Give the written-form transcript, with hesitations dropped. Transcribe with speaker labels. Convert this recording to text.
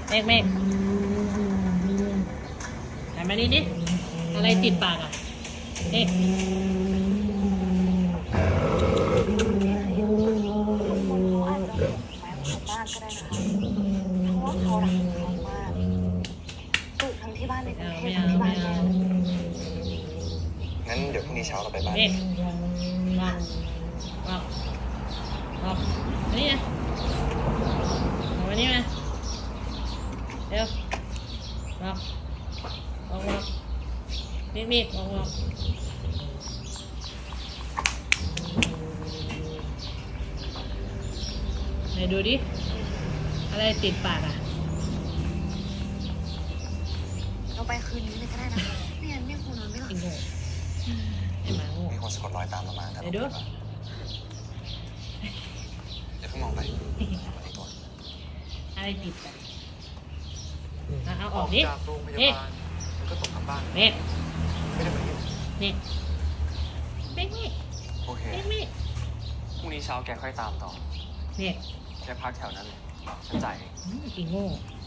Speaker 1: เมฆหันมานี่ดิอะไรติดปากอ่ะเมฆ
Speaker 2: บ้านก็ได้นะคะเพราะว่าเขารักเรามากปลูกทั้งที่บ้านในกรุงเทพทั้งที่บ้านเลย
Speaker 3: งั้นเดี๋ยวพรุ่งนี้เช้าเราไปบ้าน
Speaker 1: บอกนี่ไงเอามานี่มาเร็วบอกมีดบอกไหนดูดิอะไรติดปากอ่ะ
Speaker 2: เราไปคืนนี้เลยก็ได้นะไม่งั้นไม่คงนอนไม่หลับ
Speaker 1: ไอ้โง่ไอ้หมาโง่
Speaker 3: มีคนสะกดรอยตามเรามาแต่เราไม่รู้อย่าเพิ่งมองไปวันนี้ก่อน
Speaker 1: อะไรติดปากเอาออกดิ
Speaker 3: จากโรงพยาบาลมันก็ตกกลับบ้าน
Speaker 1: เมฆ
Speaker 3: ไม่ได้เหมือนกัน
Speaker 1: เมฆ
Speaker 3: โอเคพรุ่งนี้เช้าแกค่อยตามต่อ
Speaker 1: เมฆ
Speaker 3: แกพักแถวนั้นเลยฉันจ่ายเอง
Speaker 1: อีโง่